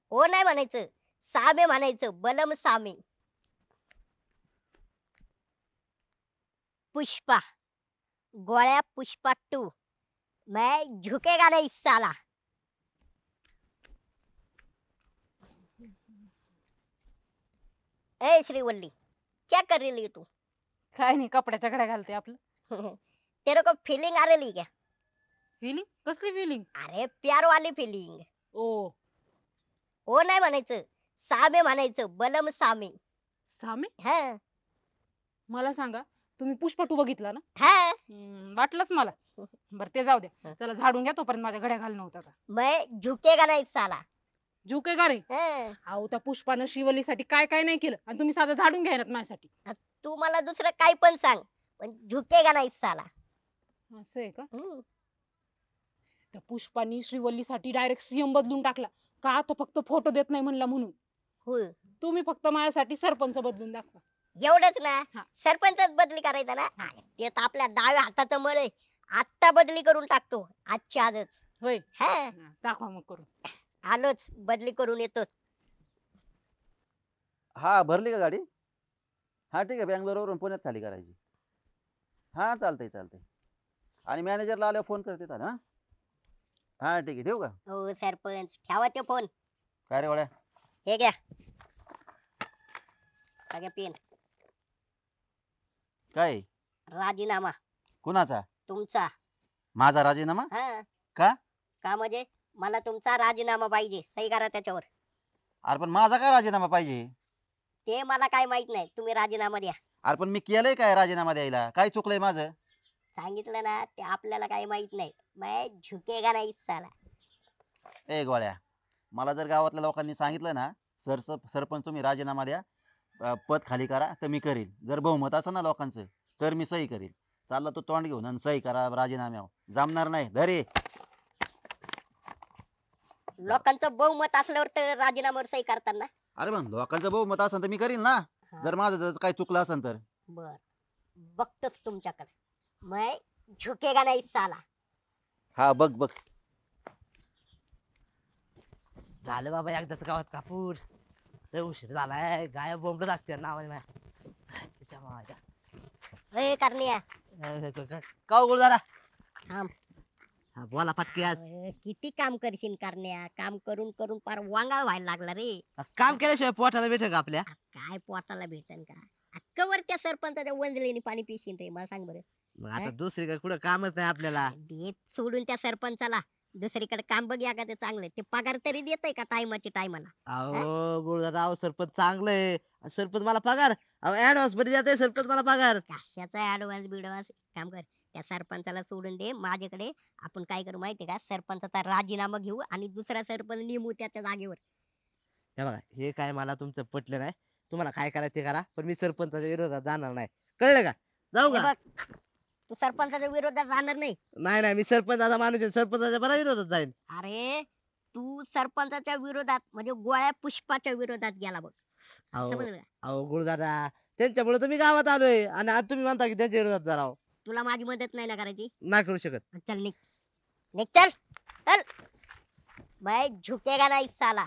ओ नाही म्हणायचं, सामे म्हणायचं, बलम सामे. पुष्पा, गोळ्या पुष्पा टू, मैं झुकेगा नहीं साला. ए श्रीवल्ली, क्या कर रही है तू? काय नाही, कपड्याच्या घड्या घालते आपलं. तेरे को फीलिंग आ रही क्या? फिलिंग? कसली फिलिंग? अरे प्यार वाली फीलिंग. ओ. ओ नाही म्हणायचं, सामे म्हणायचं, बलम सामे. सामे. हा मला सांगा, तुम्ही पुष्पा 2 बघितला ना? हा. वाटलंच मला. बरं ते जाऊ द्या, चला झाडून घ्या तोपर्यंत माझ्या घड्या घालणं होतं का. मैं झुकेगा नहीं साला. झुके का रे? हा. अहो त्या पुष्पानं शिवलीसाठी काय काय नाही केलं आणि तुम्ही साधं झाडून घ्यायनात माझ्यासाठी. तू मला दुसरं काय पण सांग, पण झुकेगा नाही साला. असं आहे का? हम्म. त्या पुष्पानी श्रीवल्लीसाठी डायरेक्ट सीएम बदलून टाकला. का तो फक्त फोटो देत नाही म्हणला म्हणून. होय. तुम्ही फक्त माझ्यासाठी सरपंच बदलून दाखवा. एवढंच ना? हा. सरपंचच बदली करायचा ना? ते तर आपल्या डाव्या हाताचं मळ आहे. आत्ता बदली करून टाकतो, आजच्या आजच. होय. हा. दाखवा मग करून. आलोच, बदली करून येतो. हा भरली का गाडी? हा ठीक आहे, बँगलोरवरून पुण्यात खाली करायची. हा चालतंय चालतंय. आणि मॅनेजरला आल्यावर फोन करते तर हा. हा ठीक आहे, ठेवू का? हो सरपंच, ठेवा ते फोन. काय रे वड्या? हे घ्या सगळ्या पेन. काय? राजीनामा कुणाचा? तुमचा. माझा राजीनामा? हा. का? का म्हणजे मला तुमचा राजीनामा पाहिजे, सही करा त्याच्यावर. अरे पण माझा काय राजीनामा पाहिजे? ते मला काय माहित नाही, तुम्ही राजीनामा द्या. अरे पण मी केलंय काय राजीनामा द्यायला? काय चुकलंय माझं? सांगितलं ना, ते आपल्याला काही माहित नाही. मैं झुकेगा नाही साला. ए गोळ्या, मला जर गावातल्या लोकांनी सांगितलं ना, सरपंच तुम्ही राजीनामा द्या, पद खाली करा, तर मी करील. जर बहुमत असेल ना लोकांचं, तर मी सही करील. चालला तो तोंड घेऊन आणि सही करा राजीनाम्यावर, जमणार नाही. धरे. लोकांचं बहुमत असल्यावर तर राजीनाम्यावर सही करताना. अरे मग लोकांचं बहुमत असेल तर मी करील ना. जर माझं जर काही चुकलं असेल तर. बर, बघतोच तुमच्याकडे. मैं झुकेगा नाही साला. हा बघ बघ. झालं बाबा एकदाच गावात कापूर. लय उशीर झालाय, गाय बोंबलत असते नावाने माझ्या. तिच्या माझ्या ए करण्या, का उघड जरा. थांब. हा, बोला पटकी आज. किती काम करशील करण्या? काम करून करून पार वांगाळ व्हायला लागला रे. काम केल्याशिवाय पोटाला भेटेल का आपल्या? काय पोटाला भेटन का? कवर त्या सरपंचाच्या वंजलीने पाणी पिशील रे, मला सांग बरं. मग आता दुसरीकडे कुठं कामच नाही आपल्याला. देत सोडून त्या सरपंचाला दुसरीकडे काम बघ या का ते चांगलं. ते पगार तरी देतय का टायमाची टायमाला? अहो गुरुदादा, अहो सरपंच चांगलंय. सरपंच मला पगार. अहो ऍडव्हान्स मध्ये देते सरपंच मला पगार. कशाचा ऍडव्हान्स बिडव्हान्स? काम कर, त्या सरपंचाला सोडून दे माझ्याकडे. आपण काय करू माहितीये का? सरपंचाचा राजीनामा घेऊ आणि दुसरा सरपंच नेमू त्याच्या जागेवर. हे बघा, हे काय मला तुमचं पटलं नाही. तुम्हाला काय करायचं ते करा, पण मी सरपंचाच्या विरोधात जाणार नाही. कळलं का? जाऊ हे का? बघ, तू सरपंचाच्या विरोधात जाणार नाही. नाही नाही, मी सरपंचाचा माणूस आहे, सरपंचाच्या बरा विरोधात जाईल. अरे तू सरपंचाच्या विरोधात म्हणजे गोळ्या पुष्पाच्या विरोधात गेला बघ. अहो समजलं का? अहो गुरुदादा, त्यांच्यामुळे तुम्ही गावात आलोय आणि आज तुम्ही म्हणता की त्यांच्या विरोधात जा राव. तुला माझी मदत नाही ना करायची? नाही करू शकत. चल निघ, निघ चल, चल. मैं झुकेगा नाही साला.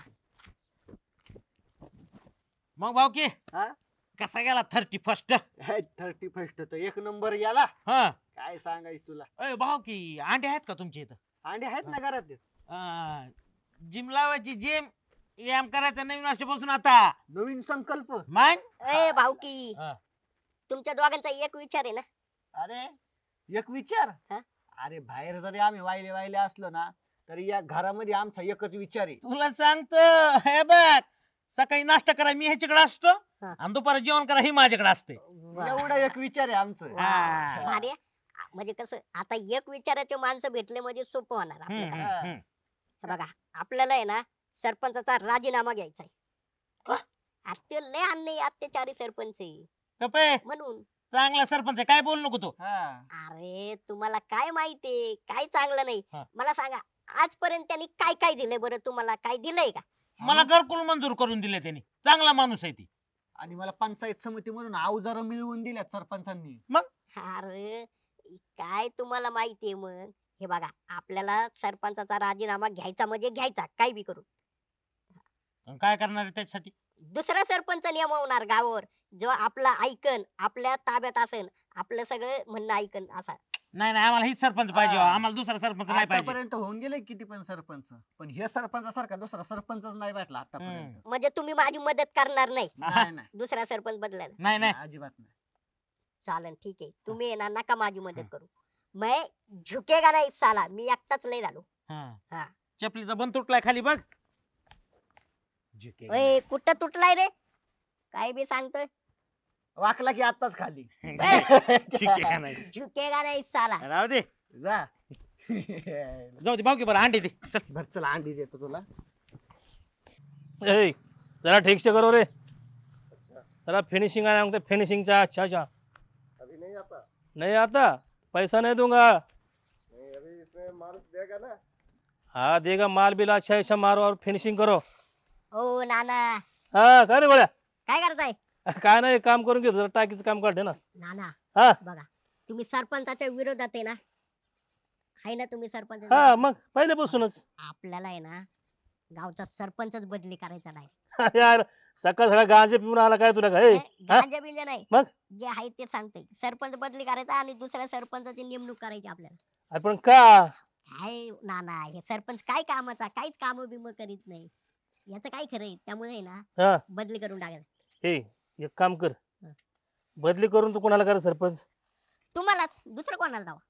मग भाऊकी हा? कसा गेला 31st? 31st तर एक नंबर गेला. हा. काय सांगायचं तुला. अय भाऊकी, अंडे आहेत का तुमच्या इथं? अंडे आहेत ना घरात. जिम लावायची, जिम व्यायाम करायचा नवीन वर्षापासून आता. नवीन संकल्प. मग ए भाऊकी, हा. तुमच्या दोघांचा एक विचार आहे ना? अरे एक विचार. हा? अरे बाहेर जरी आम्ही वाहिले वाहिले असलो ना, तरी या घरामध्ये आमचा एकच विचार आहे. तुला सांगतो, हे बघ, सकाळी नाश्ता करा मी ह्याच्याकडे असतो हा. आणि दुपारी जेवण करा ही माझ्याकडे असते. वा. एवढा एक विचार आहे आमचं. हा. भारी आहे. म्हणजे कसं आता एक विचाराचे माणसं भेटले म्हणजे सोपं होणार हम्म, आपल्याला. हम्म, हम्म. हे बघा, आपल्याला आहे ना सरपंचाचा राजीनामा घ्यायचा आहे. ते लय अन्यायी अत्याचारी सरपंच आहे कपे, म्हणून. चांगला सरपंच आहे, काय बोलू नको तू. हा. अरे तुम्हाला काय माहितीये, काय चांगलं नाही. हा. मला सांगा, आजपर्यंत त्यांनी काय काय दिलंय बरं? तुम्हाला काय दिलंय का? मला घरकुल मंजूर करून दिले त्यांनी. चांगला माणूस आहे ती. आणि मला पंचायत समिती म्हणून अवजार मिळवून दिल्यात सरपंचांनी. अरे काय तुम्हाला माहितीये मग? हे बघा, आपल्याला सरपंचाचा राजीनामा घ्यायचा म्हणजे घ्यायचा, काय बी करून. आणि काय करणार आहे त्याच्यासाठी? दुसरा सरपंच नेमवणार गावावर, जो आपला ऐकन, आपल्या ताब्यात असेल, आपलं सगळं म्हणणं ऐकन असा. नाही नाही, आम्हाला हीच सरपंच पाहिजे हो. हा. आम्हाला दुसरा सरपंच नाही पाहिजे. आतापर्यंत होऊन गेले किती पण सरपंच, पण हे सरपंचासारखा दुसरा सरपंचच नाही भेटला आतापर्यंत. म्हणजे तुम्ही माझी मदत करणार नाही नाही नाही दुसरा सरपंच बदलायला? नाही नाही, अजिबात नाही. चालन ठीक आहे, तुम्ही येणार नका माझी मदत करू. मैं झुकेगा नाही साला, मी एकटाच लय झालो. हा. हा. चपलीचा बंद तुटलाय खाली बघ. ओय कुठं तुटलाय रे? काय बी सांगतोय. वाकला की आताच खाली. ठीक आहे का नाही? झुकेगा नाही साला. राहू दे, जा. जाऊ दे भाऊ की बरं अंडी दे चल. बर चला अंडी देतो तुला. ए जरा ठीक से करो रे, जरा फिनिशिंग आना हमको, फिनिशिंग चा अच्छा अच्छा। अभी नहीं आता। नहीं आता, पैसा नहीं दूंगा। नहीं अभी इसमें माल देगा ना। हाँ देगा, माल बिल अच्छा अच्छा मारो और फिनिशिंग करो। ओ नाना, हाँ काय रे गोळ्या? काय करताय? काय नाही, काम करून घेतो, जरा टाकीचं काम काढते ना। नाना हा बघा, तुम्ही सरपंचाच्या विरोधात आहे ना? आहे ना तुम्ही सरपंच? हा मग पहिल्यापासूनच। आपल्याला आहे ना गावचा सरपंचच बदली करायचा नाही. यार सकाळ सकाळ गांजे पिऊन आला काय तुला काय? गांजा बिंजा नाही, मग? जे आहे ते सांगतोय. सरपंच बदली करायचा आणि दुसऱ्या सरपंचाची नेमणूक करायची आपल्याला. अरे पण का? काय नाना, हे सरपंच काय कामाचा, काहीच काम बिम करीत नाही. याचं काय खरंय? त्यामुळे आहे ना हा बदली करून टाकायचं. हे एक काम कर, हा. बदली करून तू कोणाला कर सरपंच? तुम्हालाच, दुसरं कोणाला दावा?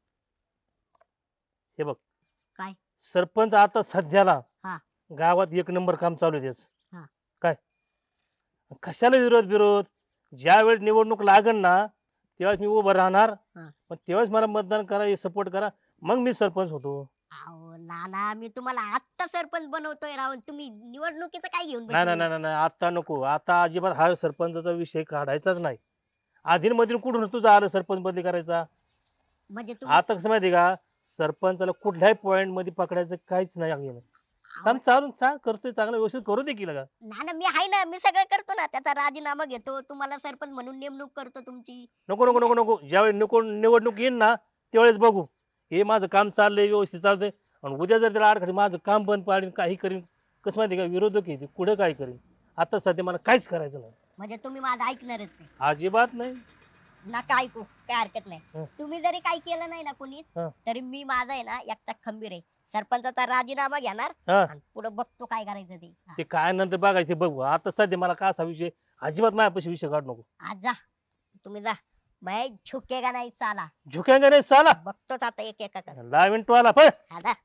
हे बघ काय? सरपंच आता सध्याला हा. गावात एक नंबर काम चालू आहे त्याचं. हा. काय कशाला विरोध विरोध? ज्या वेळेस निवडणूक लागन ना तेव्हाच मी उभं राहणार, हा. पण तेव्हाच मला मतदान करा, सपोर्ट करा, मग मी सरपंच होतो. अहो नाना, मी तुम्हाला आत्ता सरपंच बनवतोय राव, तुम्ही निवडणुकीचं काय घेऊन नाही बसले? नाही नाही नाही, आता नको, आता अजिबात हा सरपंचाचा विषय काढायचाच नाही. आधीन मधील कुठून तुझं आलं सरपंच बदली करायचा? म्हणजे तुम्ही आता कसं माहिती का, सरपंचाला कुठल्याही पॉइंट मध्ये पकडायचं काहीच नाही आहे. काम चालून करतोय, चांगलं व्यवस्थित करू दे की लगा. नाना, मी आहे ना, मी सगळं करतो ना. त्याचा राजीनामा घेतो, तुम्हाला सरपंच म्हणून नेमणूक करतो तुमची. नको नको नको नको, ज्यावेळेस निवडणूक येईन ना त्यावेळेस बघू. हे माझं काम चाललंय, व्यवस्थित चालतंय, आणि उद्या जर त्याला अडखळी माझं काम बंद पाडीन, काही करीन, कसं माहिती का, विरोधक आहे ते, पुढे काय करीन. आता सध्या मला काहीच करायचं नाही, म्हणजे तुम्ही माझं ऐकणारच नाही? अजिबात नाही. नका ऐकू, काय हरकत नाही. हं. तुम्ही जरी काही केलं नाही ना कोणीच, हं. तरी मी माझा आहे ना एकटा खंबीर आहे. सरपंचाचा राजीनामा घेणार हा आणि पुढे बघतो काय करायचं ते. हा. ते काय नंतर बघायचं ते बघू. आता सध्या मला का असा विषय, अजिबात माझ्यापाशी विषय काढू नको. आज जा, तुम्ही जा. मैं झुकेगा नाही साला. झुकेंगे नाही साला. बघतोच आता एक एका कर. लावीन टोला पण. आता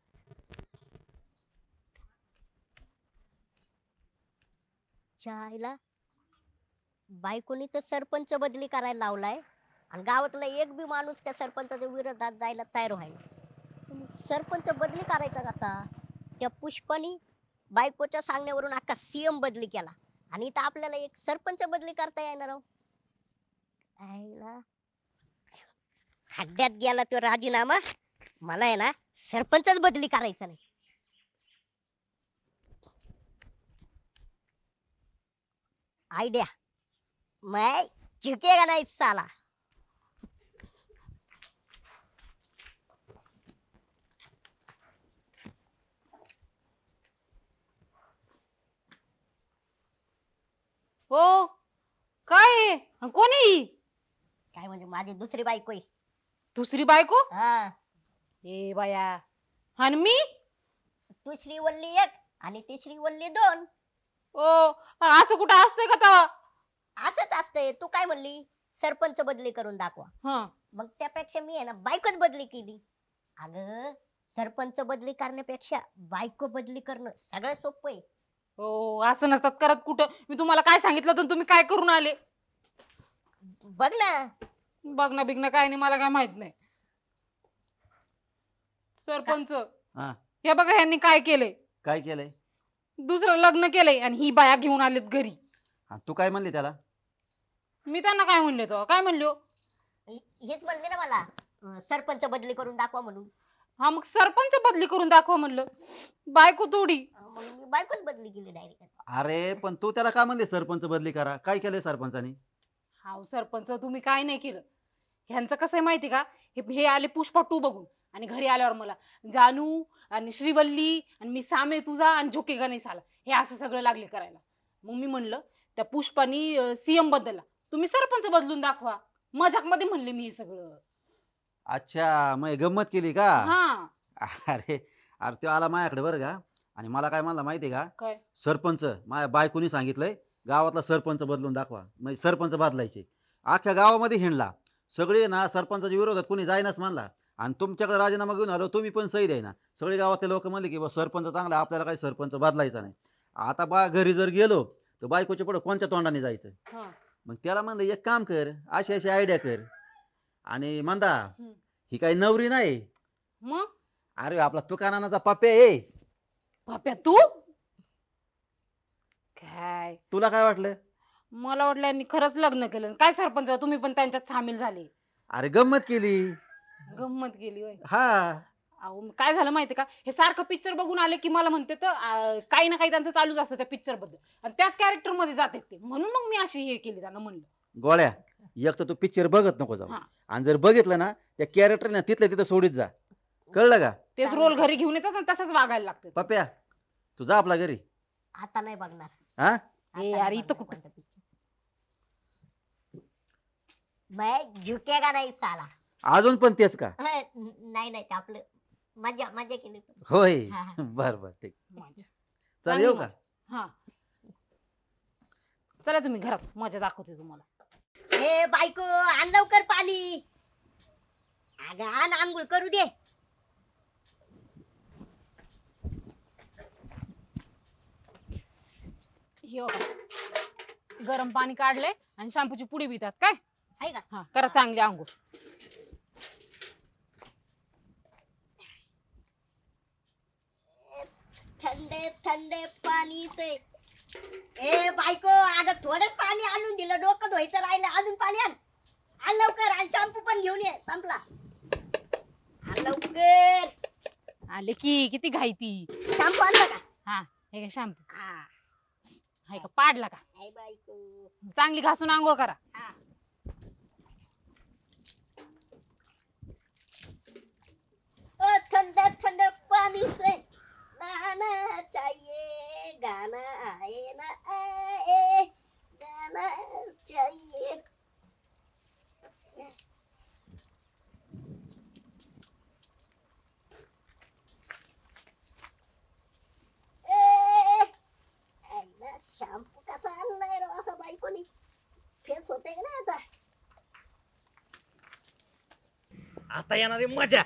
चायला बायकोनी तर सरपंच बदली करायला लावलाय आणि गावातला एक बी माणूस त्या सरपंचाच्या विरोधात जायला तयार व्हायला. सरपंच बदली करायचा कसा? त्या पुष्पानी बायकोच्या सांगण्यावरून अख्खा सीएम बदली केला आणि इथं आपल्याला एक सरपंच बदली करता येणार आहो. आईला खड्ड्यात गेला तो राजीनामा. मला आहे ना सरपंचच बदली करायचा नाही. आयडिया, मैं झुकेगा नहीं साला. हो काय आहे? आणि कोण आहे ही? काय म्हणजे माझी दुसरी बायको आहे. दुसरी बायको? हा, ए बाया, आणि मी? तू श्रीवल्ली एक आणि ती श्रीवल्ली दोन. ओ असं कुठं असतंय का तेव्हा? असंच असतंय. तू काय म्हणली? सरपंच बदली करून दाखवा. हा, मग त्यापेक्षा मी आहे ना बायकोच बदली केली. अगं, सरपंच बदली करण्यापेक्षा बायको बदली करणं सगळं सोपं आहे. हो असं नसतात करत कुठं. मी तुम्हाला काय सांगितलं होतं, तुम्ही काय करून आले? बघ ना. बघणं बिघणं काय नाही, मला काय माहित नाही. सरपंच, हा हे बघा ह्यांनी काय केलंय. काय केलंय? दुसरं लग्न केलंय आणि ही बाया घेऊन आलेत घरी. हा, तू काय म्हणली त्याला? मी त्यांना काय म्हणले तो? काय म्हणलो? हेच म्हणले ना मला, सरपंच बदली करून दाखवा म्हणून. हा मग सरपंच बदली करून दाखवा म्हणलं. बायको तोडी. मग मी बायकोच बदली केली डायरेक्ट. अरे पण तू त्याला का म्हणले सरपंच बदली करा? काय केलंय सरपंचानी? हाव सरपंच, तुम्ही काय नाही केलं. ह्यांचं कसं आहे माहिती का, हे आले पुष्पा 2 बघून आणि घरी आल्यावर मला जानू आणि श्रीवल्ली आणि मी सामे तुझा आणि झुकेगा नाही साला हे असं सगळं लागले करायला. मग मी म्हणलं त्या पुष्पानी सीएम बदलला, तुम्ही सरपंच बदलून दाखवा. मजाक मध्ये म्हणले मी हे सगळं. अच्छा मग गंमत केली का? हा. अरे अरे तो आला माझ्याकडे बरं का, आणि मला काय म्हणला माहितीये का, काय? सरपंच माझ्या बायकोनी सांगितलंय गावातला सरपंच बदलून दाखवा, म्हणजे सरपंच बदलायचे. अख्ख्या गावामध्ये हिंडला, सगळे ना सरपंचाच्या विरोधात कोणी जाईनाच म्हणला, आणि तुमच्याकडे राजीनामा घेऊन आलो, तुम्ही पण सही द्यायना. सगळे गावातले लोक म्हणले की बा सरपंच चांगला आहे, आपल्याला काही सरपंच बदलायचा नाही. आता बा घरी जर गेलो तर बायकोच्या पुढे कोणत्या तोंडाने जायचं? हा. मग त्याला म्हणलं एक काम कर, अशी अशी आयडिया कर. आणि म्हणता हम्म. ही काही नवरी नाही, मग अरे आपला तुकानाचा पप्या आहे. पाप्या तू काय? तुला काय वाटलं? मला वाटलं यांनी खरंच लग्न केलं. काय सरपंच तुम्ही पण त्यांच्यात सामील झाले? अरे गंमत केली. गंमत केली होय. हा अहो काय झालं माहितीये का, हे सारखं पिक्चर बघून आले की मला म्हणते तर काही ना काही त्यांचं चालूच असतं त्या पिक्चर बद्दल, आणि त्याच कॅरेक्टर मध्ये जातात ते, म्हणून मग मी अशी हे केली त्यांना म्हणलं. गोळ्या, एक तर तू पिक्चर बघत नको जाऊ, हा. आणि जर बघितलं ना त्या कॅरेक्टर ना तिथल्या तिथं सोडीत जा, कळलं का? तेच रोल घरी घेऊन येतात आणि तसंच वागायला लागतं. पप्या तू जा आपला घरी. आता नाही बघणार. हा आता ए, नाही अरे इथं बघणार कुठं? कोणता picture. मैं झुकेगा नहीं साला. अजून पण तेच का? नाही नाही ते आपलं मजा मजा केली. होय. हा, हा. बर बर ठीक. मजा. चल येऊ का? हा. चला तुम्ही घरात, मजा दाखवते तुम्हाला. ए बायको आण लवकर पाणी. अगं आण, आंघोळ करू दे. हे बघा, गरम पाणी काढले आणि शॅम्पूची पुडी पितात काय? आहे का? हा, करा चांगली आंघोळ. ठंडे ठंडे पाणी से. ए बायको अगं थोडं पाणी आणून दिलं, डोकं धुवायचं राहिलं, अजून पाणी आण. आण लवकर, आणि शॅम्पू पण घेऊन ये, संपला. आण लवकर. आले की, किती घाई ती. शॅम्पू आणला का? हा, हे घ्या शॅम्पू. हा. हाय का, पाडला का? आहे बायको. चांगली घासून आंघोळ करा. हा. ओ ठंडा ठंडा पानी से नहाना चाहिए, गाना आए ना आए, गाना चाहिए. शॅम्पू कसा आणलाय रे असा बायकोनी? फेस होते का नाही आता? आता येणार आहे मजा.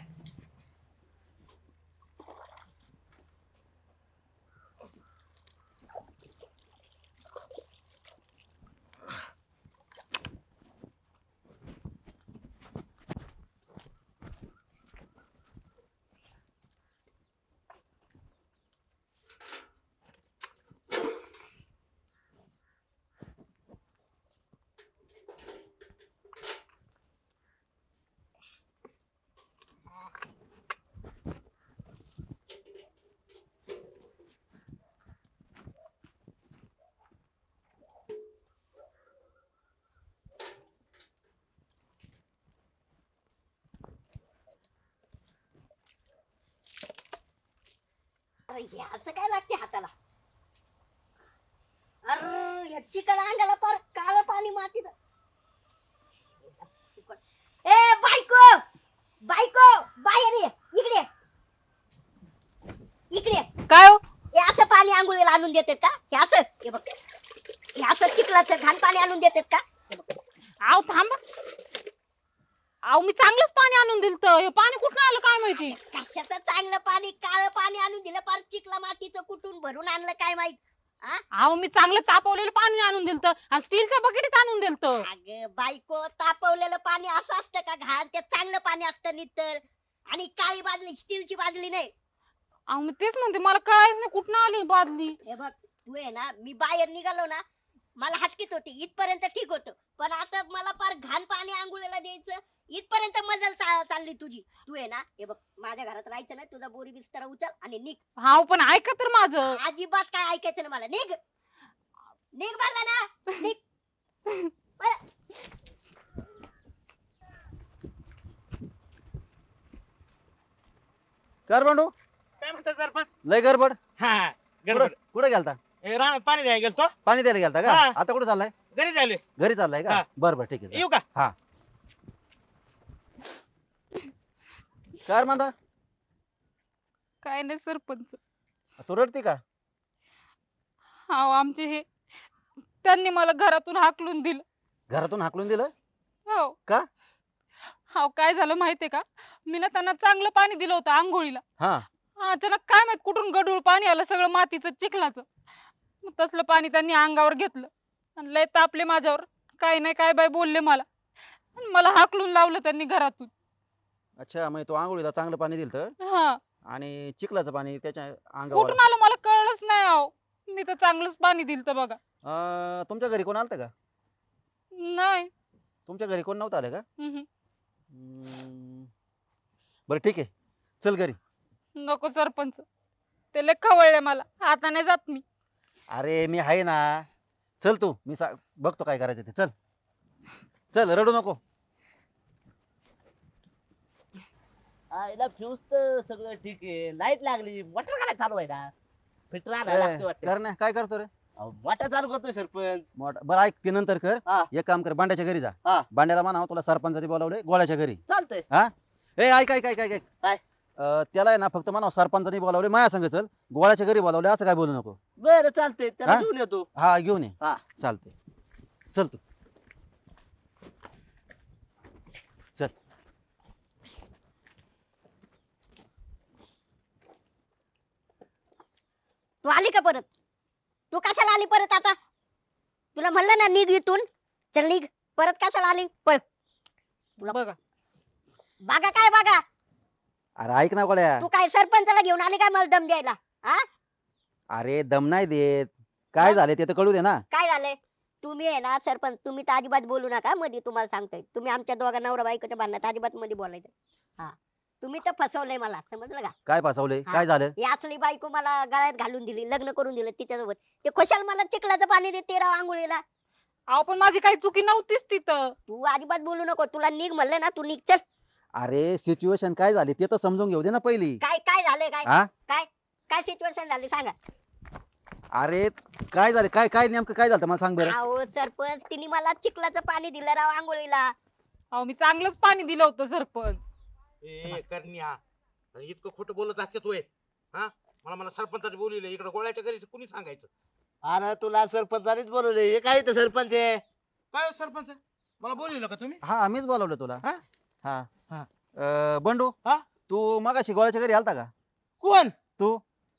अरे हे असं काय लागते हाताला? अरे या चिकन अंगाला पार काळं पाणी मातीत. ए बायको, बायको बाहेर ये, इकडे ये. इकडे ये. काय हो? हे असं पाणी आंघोळीला आणून देतात का? हे असं, हे बघ, हे असं चिखलाचं घाण पाणी आणून देतात का? हे बघ. आव थांबा. आव मी चांगलंच पाणी आणून दिलत, हे पाणी कुठं आलं काय माहिती. कशाचं चांगलं पाणी, काळं पाणी आणून दिलं, पार चिखला मातीचं कुठून भरून आणलं काय माहित. आव मी चांगलं तापवलेलं पाणी आणून दिलत आणि स्टीलच्या बकेटीत आणून दिलत. अगं बायको, तापवलेलं पाणी असं असतं का घाण? ते चांगलं पाणी असतं नितळ, आणि काळी बादली, स्टीलची बादली नाही. आव मी तेच म्हणते, मला कळायच नाही कुठं आली बादली. हे बघ, तू आहे ना, मी बाहेर निघालो ना, मला हटकीत होती, इथपर्यंत ठीक होतं, पण आता मला पार घाण पाणी आंघोळीला द्यायचं, इथपर्यंत मजल चालली तुझी. तू आहे ना, हे बघ, माझ्या घरात राहायचं नाही, तुझा बोरी बिस्तर उचल आणि निघ. हाव पण ऐका तर माझं. अजिबात काय ऐकायचं नाही मला. निघ, निघ म्हणलं ना, निघ. बरं. कर बंडू, काय म्हणता सरपंच? लय गडबड. हा गडबड. कुठे गेलता? रानात पाणी द्यायला गेलतो पाणी द्यायला गेलता का? हा. आता कुठे चाललाय? घरी झाले. घरी चाललाय का? हा. बरं बरं ठीक आहे. येऊ का? काय म्हणता? काय नाही सरपंच. तू रडते का? हा आमचे हे त्यांनी मला घरातून हाकलून दिलं. घरातून हाकलून दिलं? हो. का? हा काय झालं माहितीये का, मी ना त्यांना चांगलं पाणी दिलं होतं आंघोळीला. हा. अचानक काय माहित कुठून गढूळ पाणी आलं, सगळं मातीचं चिखलाचं. मग तसलं पाणी त्यांनी अंगावर घेतलं आणि लय तापले माझ्यावर. काय नाही काय बाय बोलले मला आणि मला हाकलून लावलं त्यांनी घरातून. अच्छा, मग तू आंघोळीला चांगलं पाणी दिलं हा. आणि चिखलाचं पाणी त्याच्या अंगावर. कुठून आलं मला कळलंच नाही अहो. मी तर चांगलंच पाणी दिलं बघा. तुमच्या घरी कोण आलतं का? नाही. तुमच्या घरी कोण नव्हतं आलं का? हम्म. बरं ठीक आहे, चल घरी. नको सरपंच, ते लय खवळले मला, आता नाही जात मी. अरे मी आहे ना, चल तू, मी बघतो काय करायचं ते. चल चल, रडू नको. आईला फ्यूज तर सगळं ठीक आहे, लाईट लागली, मोटर काय चालू आहे ना, फिटर आणायला लागते वाटतं. कर काय करतो रे? मोटर चालू करतोय सरपंच. बरं ऐक, ते नंतर कर. हा. एक काम कर, बांड्याच्या घरी जा. हा. बांड्याला म्हणा तुला सरपंचाने बोलावले गोळ्याच्या घरी. चालतंय. हा. ए ऐक ऐक ऐक ऐक ऐक. काय? त्याला आहे ना फक्त म्हणा सरपंचाने बोलावले, माया संग चल. गोळ्याच्या घरी बोलावले असं काय बोलू नको. बरं चालतंय, त्याला हा? घेऊन येतो. हा घेऊन ये. हा. चालते. चल तू. चल. तू आली का परत? तू कशाला आली परत आता? तुला म्हणलं ना निघ इथून. चल निघ. परत कशाला आली? पळ. बघा बागा काय बागा? अरे ऐक ना गोळ्या. तू काय सरपंचाला घेऊन आली काय मला दम द्यायला? हा? अरे दम नाही देत. काय झाले ते तर कळू दे ना. काय झालंय? तुम्ही आहे ना सरपंच, तुम्ही तर अजिबात बोलू नका मध्ये. तुम्हाला सांगतोय, तुम्ही आमच्या दोघा नवरा बायकोच्या भांडणात अजिबात मध्ये बोलायचं. हा. तुम्ही तर फसवलंय मला, समजलं का? काय फसवलंय? हा. काय झालं? ही असली बायको मला गळ्यात घालून दिली, लग्न करून दिलं तिच्यासोबत. ते खुशाल मला चिखलाचं पाणी देते राव आंघोळीला. अहो पण माझी काही चुकी नव्हतीच तिथं. तू अजिबात बोलू नको. तुला निघ म्हणलं ना, तू निघ. चल. अरे सिच्युएशन काय झाली ते तर समजून घेऊ दे ना पहिली. काय काय झालंय? काय हा. काय काय सिच्युएशन झाली सांगा. अरे काय झालं? काय काय नेमकं काय झालं मला सांग बरं. अहो सरपंच, तिने मला चिखलाचं पाणी दिलं राव आंघोळीला. अहो मी चांगलंच पाणी दिलं होतं सरपंच. ए करण्या, इतकं खोटं बोलत असते तू. हा, मला सरपंचाने बोलवलं इकडे गोळ्याच्या घरी, कुणी सांगायचं? अरे तुला सरपंचानेच बोलवले, हे काय इथं सरपंच आहे? काय हो सरपंच, मला बोलवलं का तुम्ही? हा आम्हीच बोलावलं तुला. हा? हा. हा. बंडू. हा? तू मगाशी गोळ्याच्या घरी आलता का? कोण? तू.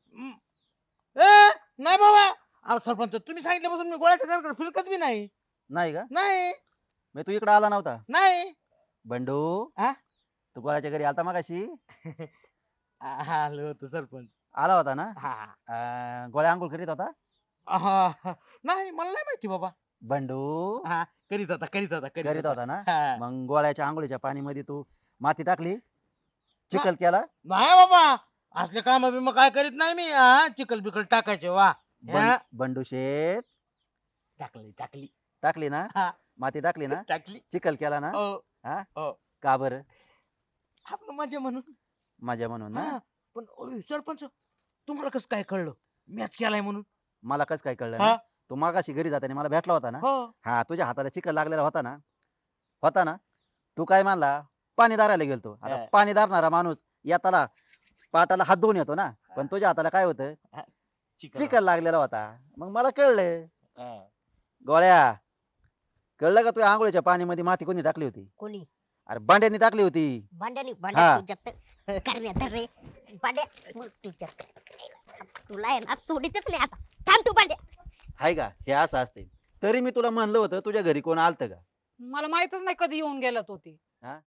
ए नाही बाबा. अहो सरपंच, तुम्ही सांगितल्यापासून मी गोळ्याच्या घराकडे फिरकत बी नाही. नाही का? नाही मग तू इकडे आला नव्हता? नाही. बंडू. हा? तू गोळ्याच्या घरी आलता मगाशी? आलो होतो सरपंच. आला होता ना? हा. गोळ्या आंघोळ करीत होता? नाही, मला नाही माहिती बाबा. बंडू. हा, करीत होता करीत होता ना? हा. मग गोळ्याच्या आंघोळीच्या पाणीमध्ये तू माती टाकली, चिखल केला? नाही बाबा, असले काम बिम काय करीत नाही मी. चिकल बिकल टाकायचे वा. बंडू शेठ. टाकली टाकली ना? हा. माती टाकली ना? टाकली. चिखल केला ना? हो. हा? हो. का बरं? आपलं मजा म्हणून. माझ्या म्हणून ना? हा. पण ओय, सरपंच, तुम्हाला कसं काय कळलं मॅच केलाय म्हणून? मला कसं काय कळलं हा? ना? तू मागाशी घरी जाताना मला भेटला होता ना? हो. हा, तुझ्या हाताला चिखल लागलेला होता ना? होता ना? तू काय मानला? पाणी दारायला गेलतो. आता हा. पाणी दारणारा माणूस येताना पाटाला हात धुवून येतो ना? पण तुझ्या हाताला काय होतं? चिखल लागलेला होता. मग मला कळलं. हा. गोळ्या, कळलं का तुझ्या आंघोळीच्या पाणीमध्ये माती कोणी टाकली होती? कोणी? अरे बांड्यानी टाकली होती. भांड्यानी हा. भांड्या तुझ्यात करण्यात रे. भांड्या मग तुझ्यात. तुला आहे ना सोडीतच नाही आता. थांब तू भांड्या. हाय का? हे असं असते. तरी मी तुला म्हणलं होतं तुझ्या घरी कोण आलतं का? मला माहितच नाही कधी येऊन गेला तो ते. हा?